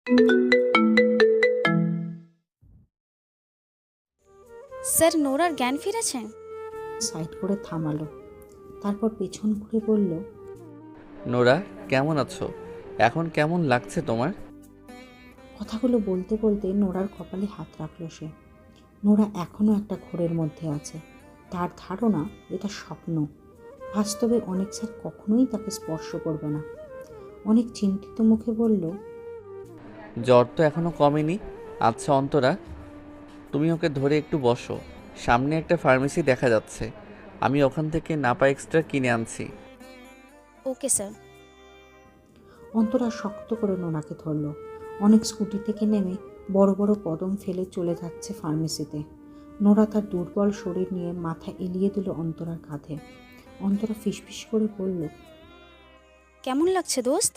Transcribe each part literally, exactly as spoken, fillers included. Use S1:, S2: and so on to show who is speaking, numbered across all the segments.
S1: Sir, নোরার জ্ঞান ফিরেছে?
S2: Side করে থামালো, তারপর পেছন ঘুরে বলল,
S3: নোরা, কেমন আছো? এখন কেমন লাগছে তোমার?
S2: কথাগুলো বলতে বলতে নোরার কপালে হাত রাখল সে। নোরা এখনও একটা ঘোরের মধ্যে আছে। তার ধারণা এটা স্বপ্ন। বাস্তবে অনেক স্যার কখনোই তাকে স্পর্শ করবে না। অনেক চিন্তিত মুখে বলল,
S3: জ্বর তো এখনো কমেনি। আচ্ছা অন্তরা, তুমি ওকে ধরে একটু বসো। সামনে একটা ফার্মেসি দেখা যাচ্ছে, আমি ওখান থেকে নাপা এক্সট্রা কিনে আনছি।
S1: Okay sir.
S2: অন্তরা শক্ত করে নোরাকে ধরল। অনেক স্কুটি থেকে নেমে বড় বড় কদম ফেলে চলে যাচ্ছে ফার্মেসিতে। নোরা তার দুর্বল শরীর নিয়ে মাথা এলিয়ে দিল অন্তরার কাঁধে। অন্তরা ফিসফিস করে বলল,
S1: কেমন লাগছে দোস্ত?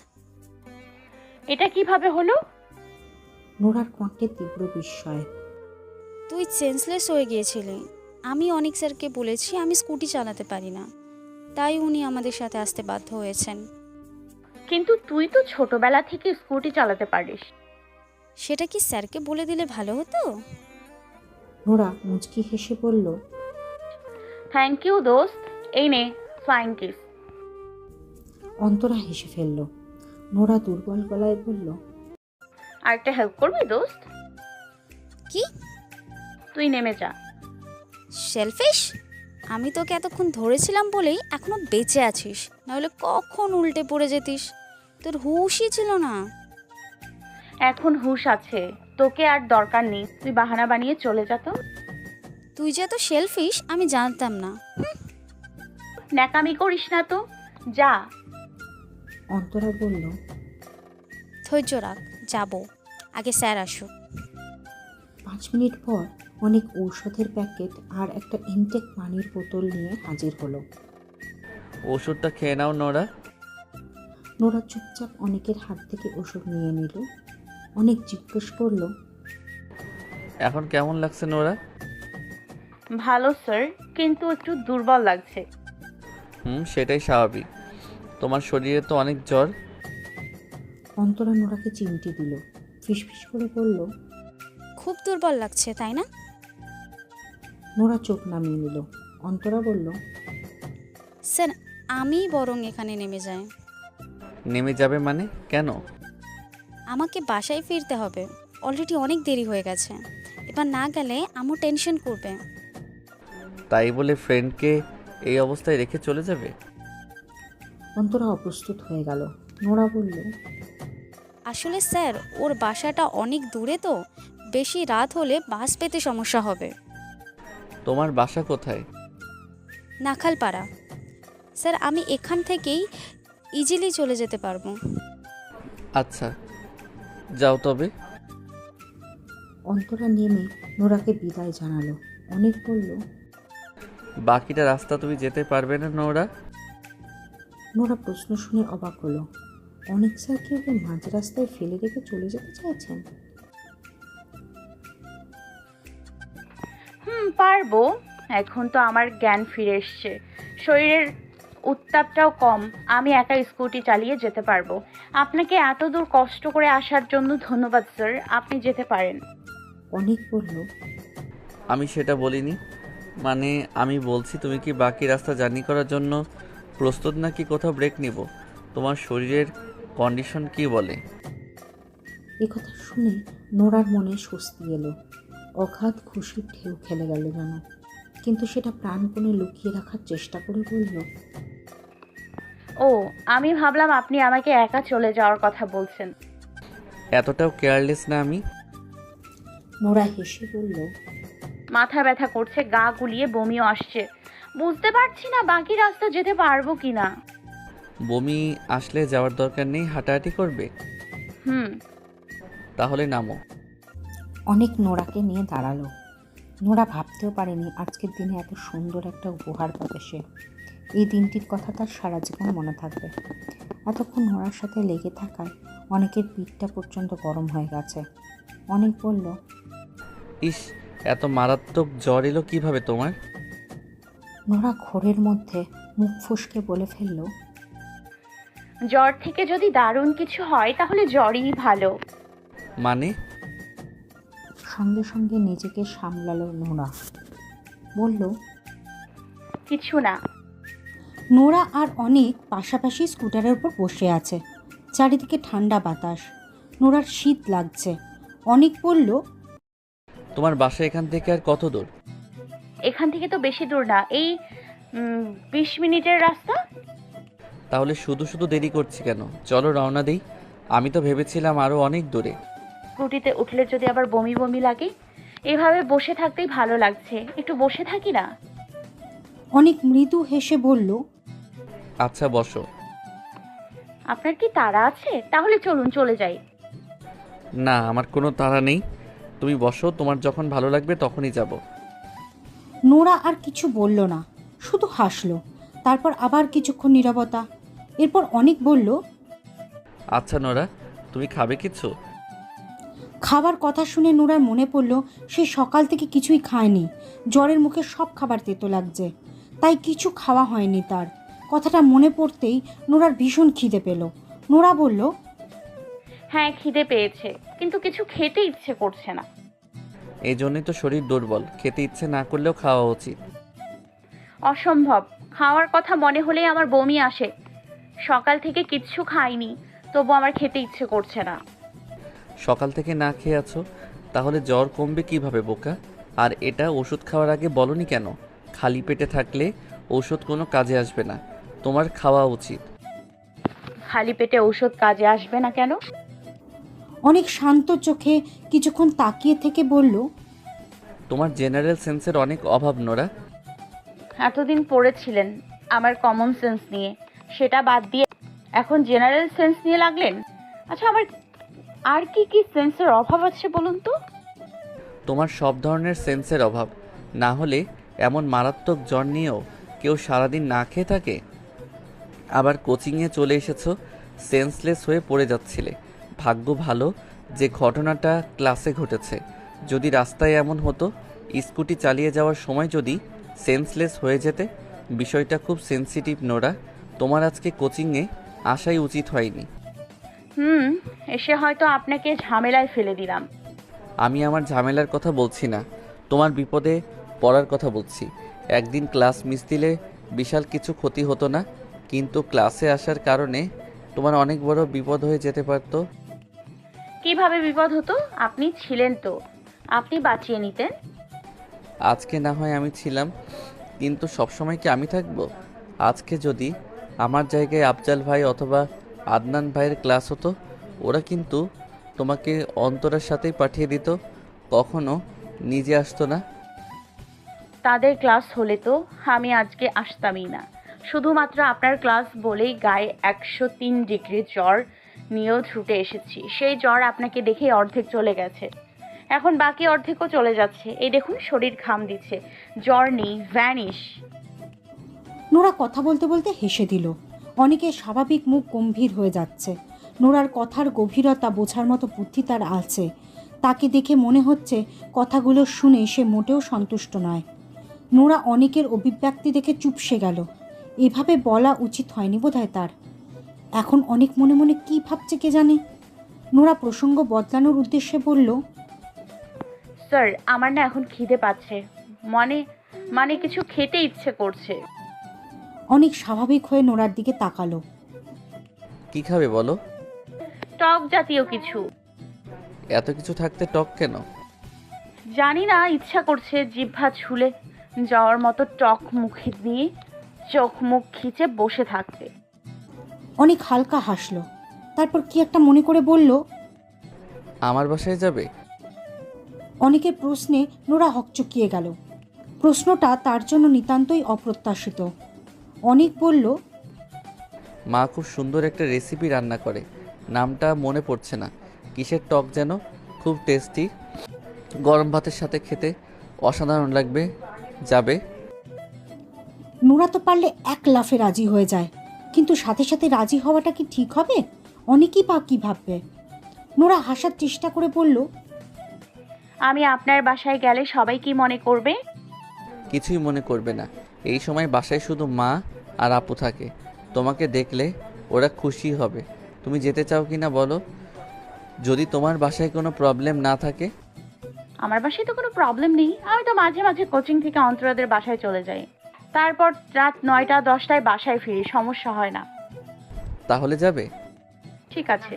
S4: এটা কিভাবে হলো?
S2: নোরার কণ্ঠে তীব্র বিস্ময়।
S1: তুই সেন্সলেস হয়ে গিয়েছিলি। আমি অনেক স্যারকে বলেছি আমি স্কুটি চালাতে পারি না, তাই উনি আমাদের সাথে আসতে বাধ্য হয়েছেন।
S4: কিন্তু তুই তো ছোটবেলা থেকে স্কুটি চালাতে পারিস।
S1: সেটা কি স্যারকে বলে দিলে ভালো হতো?
S2: নোরা মুচকি হেসে বলল,
S4: থ্যাংক ইউ দোস্ত, এই নে ফ্লাইং কিস।
S2: অন্তরা হেসে ফেলল। নোরা দুর্বল গলায় বলল,
S4: আর একটা হেল্প করবি দোস্ত?
S1: কি?
S4: তুই নেমে যা।
S1: সেলফিশ! আমি তোকে এতক্ষণ ধরেছিলাম বলেই এখনো বেঁচে আছিস, নাহলে কখন উল্টে পড়ে যেতিস। তোর হুঁশই ছিল না।
S4: এখন হুঁশ আছে, তোকে আর দরকার নেই। তুই বাহানা বানিয়ে চলে যা তো।
S1: তুই যে এত সেলফিশ আমি জানতাম না।
S4: ন্যাকামি করিস না তো, যা।
S2: অন্তরা বলল,
S1: ধৈর্য রাখ, যাবো, আগে স্যার আসুক।
S2: পাঁচ মিনিট পর অনেক ঔষধের প্যাকেট আর একটা ইনটেক পানির বোতল নিয়ে হাজির হলো।
S3: ওষুধটা খেয়ে নাও নোরা।
S2: নোরা চুপচাপ অনেকের হাত থেকে ওষুধ নিয়ে নিল। অনেক জিজ্ঞেস করলো,
S3: এখন কেমন লাগছে নোরা?
S4: ভালো স্যার, কিন্তু একটু দুর্বল লাগছে।
S3: হুম, সেটাই স্বাভাবিক। তোমার শরীরে তো অনেক জ্বর।
S2: অন্তরা নোরাকে চিমটি দিল, ফিসফিস করে বলল,
S1: খুব দুর্বল লাগছে তাই না?
S2: নোরা চোখ নামিয়ে নিল। অন্তরা বলল,
S1: স্যার, আমি বরং এখানে নেমে যাই।
S3: নেমে যাবে মানে? কেন?
S1: আমাকে বাসায় ফিরতে হবে, অলরেডি অনেক দেরি হয়ে গেছে। এবার না গেলে আম্মু টেনশন করবে।
S3: তাই বলে ফ্রেন্ডকে এই অবস্থায় রেখে চলে যাবে?
S2: অন্তরা অপ্রস্তুত হয়ে গেল। নোরা বলল,
S1: আসলে স্যার, ওর বাসাটা অনেক দূরে তো, বেশি রাত হলে বাস পেতে সমস্যা হবে।
S3: তোমার বাসা কোথায়?
S1: নাখালপাড়া। স্যার, আমি এখান থেকেই ইজিলি চলে যেতে পারবো।
S3: আচ্ছা, যাও তবে।
S2: অন্তরা নেমে নোরাকে বিদায় জানালো। অনেক বলল,
S3: বাকিটা রাস্তা তুমি যেতে পারবে না নোরা?
S2: নোরা প্রশ্ন শুনে অবাক হলো। অনেক স্যার কি ওকে মাঝ রাস্তায় ফেলে রেখে চলে যেতে চাইছেন?
S4: হুম, পারবো। এখন তো আমার জ্ঞান ফিরে এসছে, শরীরের উত্তাপটাও কম। আমি একা স্কুটি চালিয়ে যেতে পারবো। আপনাকে এত দূর কষ্ট করে আসার জন্য ধন্যবাদ স্যার, আপনি যেতে পারেন।
S2: অনেক বলল,
S3: আমি সেটা বলিনি। মানে আমি বলছি, তুমি কি বাকি রাস্তা জার্নি করার জন্য প্রস্তুত, নাকি কোথাও ব্রেক নিব? তোমার শরীরের কন্ডিশন কি বলে?
S2: এ কথা শুনে নোরার মনে স্বস্তি এলো। অগাধ খুশির ঢেউ খেলে গেল যেন। কিন্তু সেটা প্রাণপণে লুকিয়ে রাখার চেষ্টা করে বলল,
S4: ও, আমি ভাবলাম আপনি আমাকে একা চলে যাওয়ার কথা বলছেন।
S3: এতটাও কেয়ারলেস না আমি।
S2: নোরা হেসে বলল,
S4: মাথা ব্যথা করছে, গা গুলিয়ে বমিও আসছে। বুঝতে পারছি না বাকি রাস্তা যেতে পারবো কিনা।
S3: বমি আসলে যাওয়ার দরকার নেই, হাঁটাহাঁটি করবে।
S4: হুম।
S3: তাহলে নামো।
S2: অনেক নোরাকে নিয়ে দাঁড়ালো। নোরা ভাবতেও পারেনি আজকের দিনে এত সুন্দর একটা উপহার পাবে সে। এই দিনটির কথা তার সারা জীবন মনে থাকবে। এতক্ষণ নোরার সাথে লেগে থাকায় অনেকের পিঠটা পর্যন্ত গরম হয়ে গেছে। অনেক বলল,
S3: ইস, এত মারাত্মক জ্বর এলো কিভাবে তোমার?
S2: নোরা ঘোরের মধ্যে মুখ ফুসকে বলে ফেলল,
S4: জ্বর থেকে যদি দারুণ কিছু হয় তাহলে জ্বরই ভালো।
S3: মানে?
S2: সঙ্গে সঙ্গে নিজেকে সামলালো নোরা, বলল,
S4: কিছু না।
S2: নোরা আর অনেক পাশাপাশি স্কুটারের উপর বসে আছে। চারিদিকে ঠান্ডা বাতাস, নোরার শীত লাগছে। অনেক বলল,
S3: তোমার বাসা এখান থেকে আর কত দূর?
S4: এখান থেকে তো বেশি দূর না, এই উম, বিশ মিনিটের রাস্তা।
S3: তাহলে শুধু শুধু দেরি করছি কেন? চলো রওনা দিই। আমি তো ভেবেছিলাম আরও অনেক দূরে।
S4: স্কুটিতে উঠলে যদি আবার বমি বমি লাগে। এভাবে বসে থাকতেই ভালো লাগছে, একটু বসে থাকি না?
S2: অনেক মৃদু হেসে বলল,
S3: আচ্ছা বসো।
S4: আপনার কি তাড়া আছে? তাহলে চলুন চলে যাই।
S3: না, আমার কোনো তাড়া নেই, তুমি বসো, তোমার যখন ভালো লাগবে তখনই যাব।
S2: নোরা আর কিছু বলল না, শুধু হাসলো। তারপর আবার কিছুক্ষণ নীরবতা। এরপর অনেক বলল,
S3: আচ্ছা নোরা, তুমি খাবে কিছু?
S2: খাবার কথা শুনে নোরার মনে পড়ল সে সকাল থেকে কিছুই খায়নি। জ্বরের মুখে সব খাবার তেতো লাগছে, তাই কিছু খাওয়া হয়নি তার। কথাটা মনে পড়তেই নোরার ভীষণ খিদে পেল। নোরা বলল,
S4: হ্যাঁ খিদে পেয়েছে, কিন্তু কিছু খেতে ইচ্ছে করছে না।
S3: এই জন্যই তো শরীর দুর্বল, খেতে ইচ্ছে না করলেও খাওয়া উচিত।
S4: অসম্ভব, খাওয়ার কথা মনে হলেই আমার বমি আসে। সকাল থেকে কিচ্ছু খাইনি, তবু আমার খেতে ইচ্ছে করছে না।
S3: সকাল থেকে না খেয়ে আছো, তাহলে জ্বর কমবে কিভাবে বোকা? আর এটা ওষুধ খাওয়ার আগে বলনি কেন? খালি পেটে থাকলে ওষুধ কোনো কাজে আসবে না, তোমার খাওয়া উচিত।
S4: খালি পেটে ঔষধ কাজে আসবে না কেন?
S2: অনেক শান্ত চোখে কিছুক্ষণ তাকিয়ে থেকে বলল,
S3: তোমার জেনারেল সেন্সের অনেক অভাব নোরা।
S4: এতদিন পড়েছিলেন আমার কমন সেন্স নিয়ে, সেটা বাদ দিয়ে এখন জেনারেল সেন্স নিয়ে লাগলেন। আচ্ছা, আমার আর কি কি সেন্সের অভাব আছে বলুন তো?
S3: তোমার সব ধরনের সেন্সের অভাব, না হলে এমন মারাত্মক জ্বর নিয়েও কেউ সারাদিন না খেয়ে থাকে? আবার কোচিংয়ে চলে এসেছো, সেন্সলেস হয়ে পড়ে যাচ্ছিলে। ভাগ্য ভালো যে ঘটনাটা ক্লাসে ঘটেছে। যদি রাস্তায় এমন হতো, স্কুটি চালিয়ে যাওয়ার সময় যদি সেন্সলেস হয়ে যেতে। বিষয়টা খুব সেন্সিটিভ নোরা, তোমার আজকে কোচিংয়ে আসাই উচিত হয়নি।
S4: হুম, এসে হয়তো আপনাকে ঝামেলায় ফেলে দিলাম।
S3: আমি আমার ঝামেলার কথা বলছি না, তোমার বিপদে পড়ার কথা বলছি। একদিন ক্লাস মিস দিলে বিশাল কিছু ক্ষতি হতো না, কিন্তু ক্লাসে আসার কারণে তোমার অনেক বড় বিপদ হয়ে যেতে পারতো।
S4: কিভাবে বিপদ হতো? আপনি ছিলেন তো, আপনি বাঁচিয়ে নিতেন।
S3: আজকে না হয় আমি ছিলাম, কিন্তু সবসময় কি আমি থাকবো? আজকে যদি আমার জায়গায় আফজাল ভাই অথবা আদনান ভাইয়ের ক্লাস হতো, ওরা কিন্তু তোমাকে অন্তরার সাথেই পাঠিয়ে দিত, কখনো নিজে আসতো না।
S4: তাদের ক্লাস হলে তো আমি আজকে আসতামই না। শুধুমাত্র আপনার ক্লাস বলেই গায়ে একশো তিন ডিগ্রি জ্বর নিয়েও ছুটে এসেছি। সেই জ্বর আপনাকে দেখেই অর্ধেক চলে গেছে, এখন বাকি অর্ধেকও চলে যাচ্ছে। এই দেখুন, শরীর ঘাম দিচ্ছে, জ্বর নেই, ভ্যানিশ।
S2: নোরা কথা বলতে বলতে হেসে দিল। অনেকের স্বাভাবিক মুখ গম্ভীর হয়ে যাচ্ছে। নোরার কথার গভীরতা বোঝার মতো বুদ্ধি তার আছে। তাকে দেখে মনে হচ্ছে কথাগুলো শুনে সে মোটেও সন্তুষ্ট নয়। নোরা অনেকের অভিব্যক্তি দেখে চুপসে গেল। এভাবে বলা উচিত হয়নি বোধহয় তার। এখন অনেক মনে মনে কী ভাবছে কে জানে। নোরা প্রসঙ্গ বদলানোর উদ্দেশ্যে বলল,
S4: স্যার, আমার না এখন খিদে পাচ্ছে, মানে মানে কিছু খেতে ইচ্ছে করছে।
S2: অনেক স্বাভাবিক হয়ে নোরার দিকে তাকালো।
S3: কি খাবে বলো?
S4: টক জাতীয় কিছু।
S3: এত কিছু থাকতে টক কেন?
S4: জানি না, ইচ্ছা করছে জিহ্বা ছুলে যাওয়ার মতো টক মুখে দিয়ে চোখ মুখ খিচে বসে থাকতে।
S2: অনেক হালকা হাসলো, তারপর কি একটা মনে করে বলল,
S3: আমার বাসায় যাবে?
S2: অনেকের প্রশ্নে নোরা হকচকিয়ে গেল। প্রশ্নটা তার জন্য নিতান্তই অপ্রত্যাশিত। অনেক বলল,
S3: মা খুব সুন্দর একটা রেসিপি রান্না করে, নামটা মনে পড়ছে না, কিসের টক যেন, খুব টেস্টি, গরম ভাতের সাথে খেতে অসাধারণ লাগবে, যাবে?
S2: নোরা তো পারলে এক লাফে রাজি হয়ে যায়, কিন্তু সাথে সাথে রাজি হওয়াটা কি ঠিক হবে? অনেকেই বা কী ভাববে। নোরা হাসার চেষ্টা করে বলল,
S4: আমি আপনার বাসায় গেলে সবাই কি মনে করবে?
S3: কিছুই মনে করবে না। এই সময় বাসায় শুধু মা আর আপু থাকে, তোমাকে দেখলে ওরা খুশি হবে। তুমি যেতে চাও কি না বলো? যদি তোমার বাসায় কোনো প্রবলেম না থাকে।
S4: আমার বাসায় তো কোনো প্রবলেম নেই, আমি তো মাঝে মাঝে কোচিং থেকে অন্তরাদের বাসায় চলে যাই, তারপর রাত নয়টা দশটায় বাসায় ফিরি, সমস্যা হয় না।
S3: তাহলে যাবে?
S4: ঠিক আছে।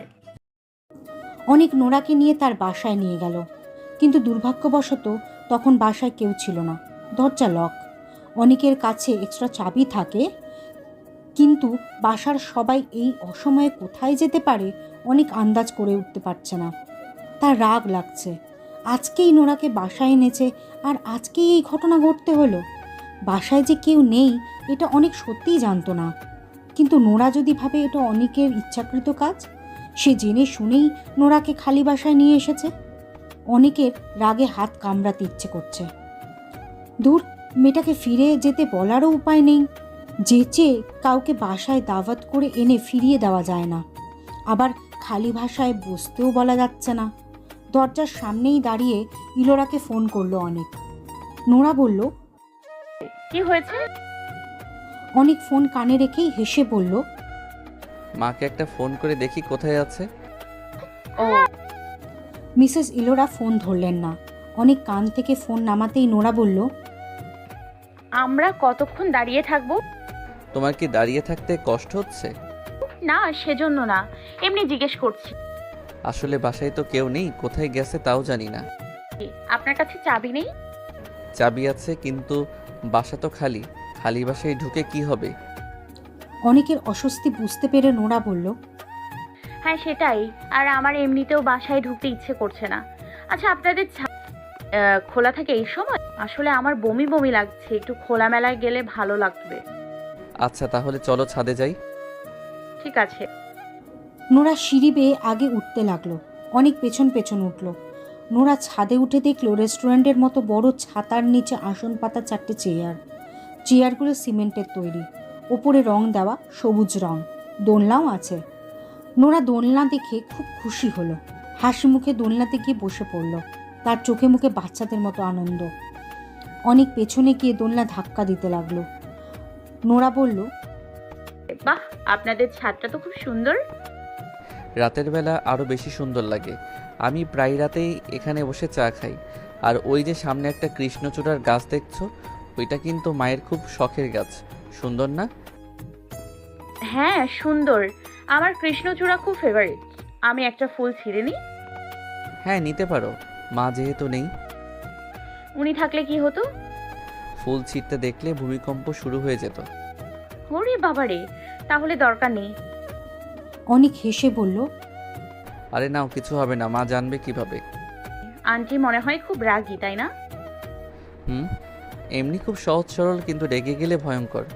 S2: অনেক নোরাকে নিয়ে তার বাসায় নিয়ে গেল, কিন্তু দুর্ভাগ্যবশত তখন বাসায় কেউ ছিল না, দরজা লক। অনেকের কাছে এক্সট্রা চাবি থাকে, কিন্তু বাসার সবাই এই অসময়ে কোথায় যেতে পারে অনেক আন্দাজ করে উঠতে পারছে না। তার রাগ লাগছে, আজকেই নোরাকে বাসায় এনেছে আর আজকেই এই ঘটনা ঘটতে হলো। বাসায় যে কেউ নেই এটা অনেক সত্যিই জানতো না, কিন্তু নোরা যদি ভাবে এটা অনেকের ইচ্ছাকৃত কাজ, সে জেনে শুনেই নোরাকে খালি বাসায় নিয়ে এসেছে। অনেকের রাগে হাত কামড়াতে ইচ্ছে করছে। দূর, মেয়েটাকে ফিরে যেতে বলারও উপায় নেই। যেচে কাউকে বাসায় দাওয়াত করে এনে ফিরিয়ে দেওয়া যায় না, আবার খালি ভাষায় বসতেও বলা যাচ্ছে না। দরজার সামনেই দাঁড়িয়ে ইলোরাকে ফোন করলো অনেক। নোরা বলল,
S4: কি হয়েছে?
S2: অনেক ফোন কানে রেখেই হেসে বলল,
S3: মাকে একটা ফোন করে দেখি কোথায় আছে।
S4: ও,
S2: মিসেস ইলোরা ফোন ধরলেন না। অনেক কান থেকে ফোন নামাতেই নোরা বলল,
S4: আমরা কতক্ষণ দাঁড়িয়ে থাকবো?
S3: তোমার কি দাঁড়িয়ে থাকতে কষ্ট হচ্ছে?
S4: না, সেজন্য না, এমনি জিজ্ঞেস করছি।
S3: আসলে বাসায় তো কেউ নেই, কোথায় গেছে তাও জানি না।
S4: আপনার কাছে চাবি নেই?
S3: চাবি আছে, কিন্তু বাসা তো খালি। খালি বাসায় ঢুকে কি হবে?
S2: অনেকের অস্বস্তি বুঝতে পেরে নোরা বলল,
S4: হ্যাঁ সেটাই, আর আমার এমনিতেও বাসায় ঢুকতে ইচ্ছে করছে না। আচ্ছা, আপনাদের ছা- আহ, খোলা থাকে এই সময়? আসলে আমার বমি বমি লাগছে, একটু খোলামেলায় গেলে ভালো লাগবে।
S3: আচ্ছা তাহলে চলো ছাদে যাই।
S4: ঠিক আছে।
S2: নোরা সিঁড়ি বেয়ে আগে উঠতে লাগলো, অনেক পেছন পেছন উঠল। নোরা ছাদে উঠে দেখলো রেস্টুরেন্টের মতো বড় ছাতার নিচে আসন পাতা চারটে চেয়ার। চেয়ারগুলো সিমেন্টের তৈরি, ওপরে রং দেওয়া সবুজ রং, দোলনাও আছে। নোরা দোলনা দেখে খুব খুশি হলো, হাসি মুখে দোলনাতে গিয়ে বসে পড়ল। তার চোখে মুখে বাচ্চাদের মতো আনন্দ। অনেক পেছনে গিয়ে দোলনা ধাক্কা দিতে লাগলো। নোরা বলল,
S4: বাহ, আপনাদের ছাদটা তো খুব সুন্দর।
S3: রাতের বেলা আরও বেশি সুন্দর লাগে। আমি প্রায় রাতেই এখানে বসে চা খাই। আর ওই যে সামনে একটা কৃষ্ণচূড়ার গাছ দেখছো, ওইটা কিন্তু মায়ের খুব শখের গাছ। সুন্দর না?
S4: হ্যাঁ সুন্দর, আমার কৃষ্ণচূড়া খুব ফেভারিট। আমি একটা ফুল ছিঁড়ে নিই?
S3: হ্যাঁ নিতে পারো, মা যেহেতু নেই।
S4: উনি থাকলে কি হতো?
S3: ফুল ছিঁড়তে দেখলে ভূমিকম্প শুরু হয়ে যেত।
S4: ওরে বাবারে, তাহলে দরকার নেই।
S2: অনেক হেসে বলল,
S3: আরে নাও, কিছু হবে না, মা জানবে কিভাবে?
S4: আন্টি মনে হয় খুব রাগী, তাই না?
S3: হুম, এমনি খুব সহজ সরল, কিন্তু রেগে গেলে ভয়ঙ্কর।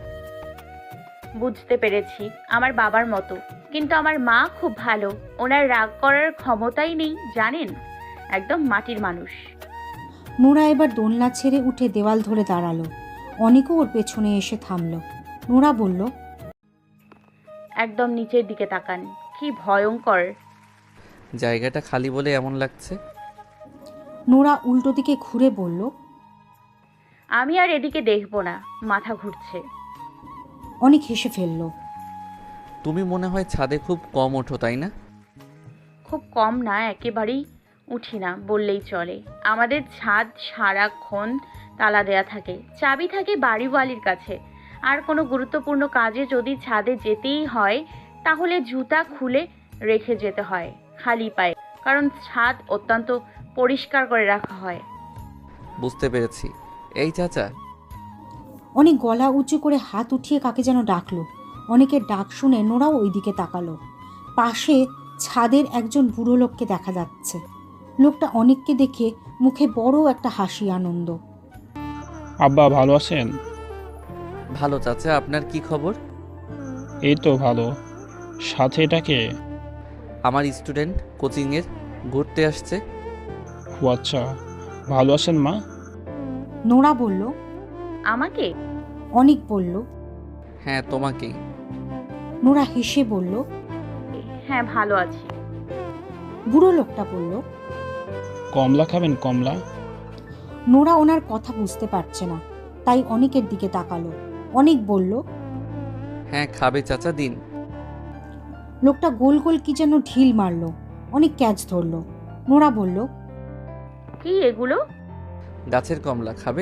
S4: বুঝতে পেরেছি, আমার বাবার মতো। কিন্তু আমার মা খুব ভালো, ওনার রাগ করার ক্ষমতাই নেই জানেন, একদম মাটির মানুষ।
S2: নোরা এবার দোলনা ছেড়ে উঠে দেওয়াল ধরে দাঁড়ালো। অনেকও ওর পেছনে এসে থামলো। নোরা বলল,
S4: একদম নিচের দিকে তাকান, কি ভয়ঙ্কর।
S3: জায়গাটা খালি বলে এমন লাগছে।
S2: নোরা উল্টো দিকে ঘুরে বলল,
S4: আমি আর এদিকে দেখবো না, মাথা ঘুরছে।
S2: অনেক হেসে ফেলল।
S3: তুমি মনে হয় ছাদে খুব কম ওঠো, তাই না?
S4: খুব কম না, একেবারেই উঠি না বললেই চলে। আমাদের ছাদ সারাক্ষণ তালা দেয়া থাকে, চাবি থাকে বাড়িওয়ালির কাছে। আর কোনো গুরুত্বপূর্ণ কাজে যদি ছাদে যেতেই হয় তাহলে জুতা খুলে রেখে যেতে হয় খালি পায়ে, কারণ ছাদ অত্যন্ত পরিষ্কার করে রাখা হয়।
S3: বুঝতে পেরেছি। এই চাচা।
S2: অনেক গলা উঁচু করে হাত উঠিয়ে কাকে যেন ডাকলো। অনেকের ডাক শুনে নোরাও ওই দিকে তাকালো। পাশে ছাদের একজন বুড়ো লোককে দেখা যাচ্ছে। লোকটা অনেককে দেখে মুখে বড় একটা হাসি আনন্দ।
S5: আব্বা ভালো আছেন?
S3: ভালো চাচা, আপনার কি খবর?
S5: এই তো ভালো। সাথে এটাকে?
S3: আমার স্টুডেন্ট, কোচিংয়ের, ঘুরতে আসছে।
S5: ও আচ্ছা, ভালো আছেন মা?
S2: নোরা বলল,
S4: আমাকে?
S2: অনেক বলল।
S3: হ্যাঁ তোমাকেই।
S2: নোরা হেসে বলল,
S4: হ্যাঁ ভালো আছি।
S2: বুড়ো লোকটা বলল।
S5: কমলা খাবেন কমলা?
S2: নোরা ওনার কথা বুঝতে পারছে না, তাই অনেকের দিকে তাকালো। অনেক বলল,
S3: হ্যাঁ খাবে চাচা, দিন।
S2: লোকটা গোল গোল কি যেন ঢিল মারল। অনেক ক্যাচ ধরলো। নোরা বলল,
S4: কি এগুলো?
S3: গাছের কমলা খাবে?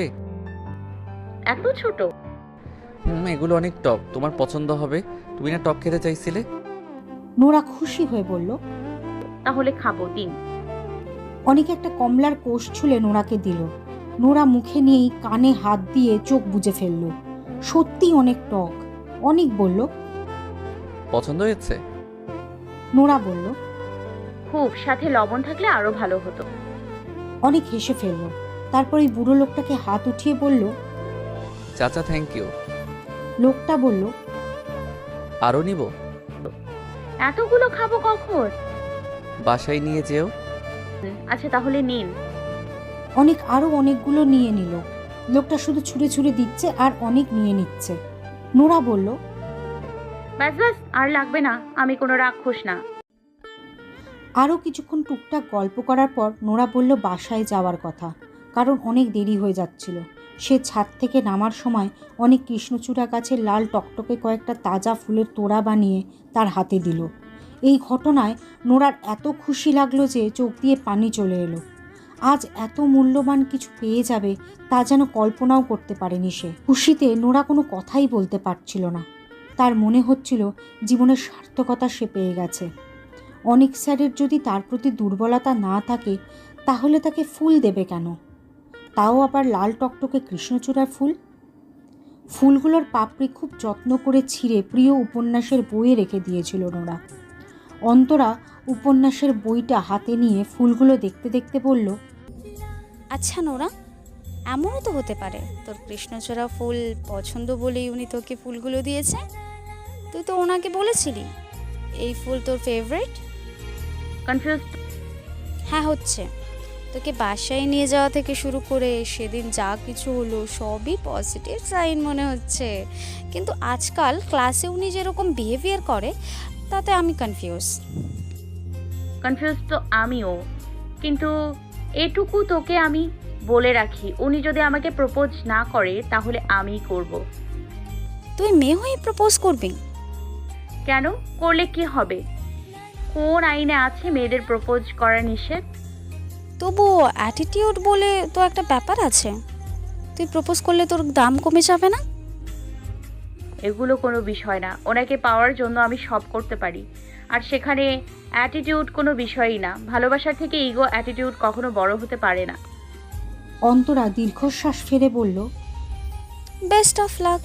S4: এত ছোট?
S3: হুম, এগুলো অনেক টক, তোমার পছন্দ হবে। তুমি না টক খেতে চাইছিলে?
S2: নোরা খুশি হয়ে বলল।
S4: তাহলে খাবো, দিন।
S2: অনেক একটা কমলার কোষ ছুলে নোরাকে দিল। নোরা মুখে নিয়েই কানে হাত দিয়ে চোখ বুজে ফেলল। সত্যি অনেক টক। অনেক বলল,
S3: পছন্দ হয়েছে?
S2: নোরা বলল।
S4: খুব, সাথে লবণ থাকলে আরো ভালো হতো।
S2: অনেক হেসে ফেলল। তারপর এই বুড়ো লোকটাকে হাত উঠিয়ে বলল।
S3: চাচা থ্যাংক ইউ।
S2: লোকটা বলল,
S3: আরও নিব?
S4: এতগুলো খাবো কখন?
S3: বাসায় নিয়ে যেও।
S4: আচ্ছা তাহলে নিন।
S2: অনেক আরো অনেকগুলো নিয়ে নিল। লোকটা শুধু ছুঁড়ে ছুঁড়ে দিচ্ছে আর অনেক নিয়ে নিচ্ছে। নোরা বলল,
S4: ব্যাস ব্যাস, আর লাগবে না, আমি কোনো রাক্ষস না।
S2: আরও কিছুক্ষণ টুকটাক গল্প করার পর নোরা বলল বাসায় যাওয়ার কথা, কারণ অনেক দেরি হয়ে যাচ্ছিল। সে ছাদ থেকে নামার সময় অনেক কৃষ্ণচূড়া গাছের লাল টকটকে কয়েকটা তাজা ফুলের তোড়া বানিয়ে তার হাতে দিল। এই ঘটনায় নোরার এত খুশি লাগলো যে চোখ দিয়ে পানি চলে এলো। আজ এত মূল্যবান কিছু পেয়ে যাবে তা যেন কল্পনাও করতে পারেনি সে। খুশিতে নোরা কোনো কথাই বলতে পারছিল না। তার মনে হচ্ছিল জীবনের সার্থকতা সে পেয়ে গেছে। অনেক স্যারের যদি তার প্রতি দুর্বলতা না থাকে তাহলে তাকে ফুল দেবে কেন, তাও আবার লাল টকটকে কৃষ্ণচূড়ার ফুল। ফুলগুলোর পাপড়ি খুব যত্ন করে ছিঁড়ে প্রিয় উপন্যাসের বইয়ে রেখে দিয়েছিল নোরা। অন্তরা উপন্যাসের বইটা হাতে নিয়ে ফুলগুলো দেখতে দেখতে বলল,
S1: আচ্ছা নোরা, এমনও তো হতে পারে তোর কৃষ্ণচূড়া ফুল পছন্দ বলেই উনি তোকে ফুলগুলো দিয়েছে। তুই তো ওনাকে বলেছিলি এই ফুল তোর ফেভারিট।
S4: কনফিউজ?
S1: হ্যাঁ হচ্ছে। তোকে বাসায় নিয়ে যাওয়া থেকে শুরু করে সেদিন যা কিছু হলো সবই পজিটিভ সাইন মনে হচ্ছে, কিন্তু আজকাল ক্লাসে উনি যেরকম বিহেভিয়ার করে তাতে আমি কনফিউজ।
S4: কনফিউজ তো আমিও, কিন্তু এটুকু তোকে আমি বলে রাখি, উনি যদি আমাকে প্রপোজ না করে তাহলে আমিই করব।
S1: তুই মেয়ে হয়ে প্রপোজ করবি?
S4: কেন? করলে কি হবে? কোন আইনে আছে মেয়েদের প্রপোজ করা নিষেধ?
S1: তবুও অ্যাটিটিউড বলে তো একটা ব্যাপার আছে। তুই প্রপোজ করলে তোর দাম কমে যাবে না?
S4: এগুলো কোনো বিষয় না, ওনাকে পাওয়ার জন্য আমি সব করতে পারি। আর সেখানে অ্যাটিটিউড কোনো বিষয়ই না। ভালোবাসার থেকে ইগো অ্যাটিটিউড কখনো বড় হতে পারে না।
S2: অন্তরা দীর্ঘশ্বাস ফেলে বলল।
S1: Best of luck.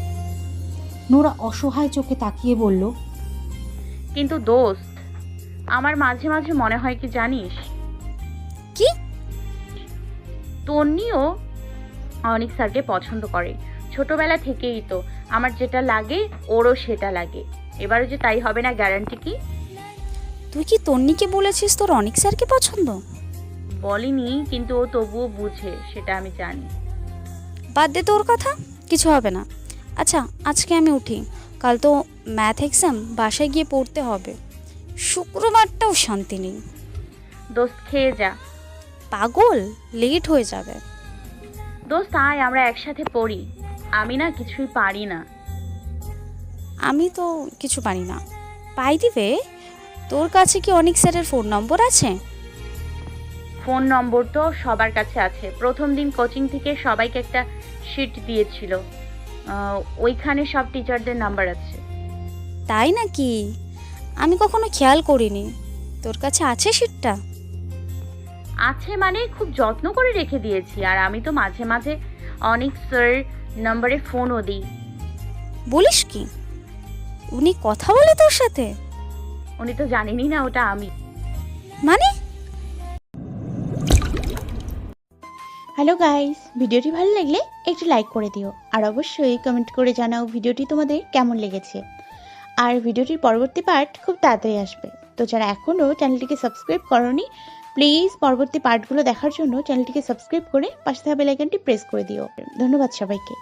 S2: নোরা অসহায় চোখে তাকিয়ে বলল,
S4: কিন্তু দোস্ত, আমার মাঝে মাঝে মনে হয় কি জানিস,
S1: কি?
S4: তন্নিও অনিক স্যারকে পছন্দ করে। ছোটবেলা থেকেই তো আমার যেটা লাগে ওরও সেটা লাগে। এবারে যে তাই হবে না গ্যারান্টি কি?
S1: তুই কি তন্নিকে বলেছিস তোর অনিক স্যারকে পছন্দ?
S4: বলিনি, কিন্তু ও তবুও বুঝে, সেটা আমি জানি।
S1: বাদ দে তোর কথা, কিছু হবে না। আচ্ছা আজকে আমি উঠি, কাল তো ম্যাথ এক্সাম, বাসায় গিয়ে পড়তে হবে। শুক্রবারটাও শান্তি নেই।
S4: দোস্ত খেয়ে যা।
S1: পাগল, লেট হয়ে যাবে।
S4: দোস্ত আয়, আমরা একসাথে পড়ি। আমি না কিছুই পারি না।
S1: আমি তো কিছু পারি না। পাই দিবে? তোর কাছে কি অনিক স্যারের ফোন নম্বর আছে?
S4: ফোন নম্বর তো সবার কাছে আছে। প্রথম দিন কোচিং থেকে সবাইকে একটা শিট দিয়েছিল, আহ, ওইখানে সব টিচারদের নাম্বার আছে।
S1: তাই নাকি? আমি কখনো খেয়াল করিনি। তোর কাছে আছে সিটটা?
S4: আছে মানে খুব যত্ন করে রেখে দিয়েছি। আর আমি তো মাঝে মাঝে অনিক স্যার নম্বরে ফোনও দিই।
S1: বলিস কি? উনি কথা বলে তোর সাথে?
S4: উনি তো জানেনই না ওটা আমি।
S1: মানে?
S6: হ্যালো গাইস, ভিডিওটি ভালো লাগলে একটু লাইক করে দিও আর অবশ্যই কমেন্ট করে জানাও ভিডিওটি তোমাদের কেমন লেগেছে। আর ভিডিওটির পরবর্তী পার্ট খুব তাড়াতাড়ি আসবে, তো যারা এখনও চ্যানেলটিকে সাবস্ক্রাইব করোনি প্লিজ পরবর্তী পার্টগুলো দেখার জন্য চ্যানেলটিকে সাবস্ক্রাইব করে পাশে থাকা বেল আইকনটি প্রেস করে দিও। ধন্যবাদ সবাইকে।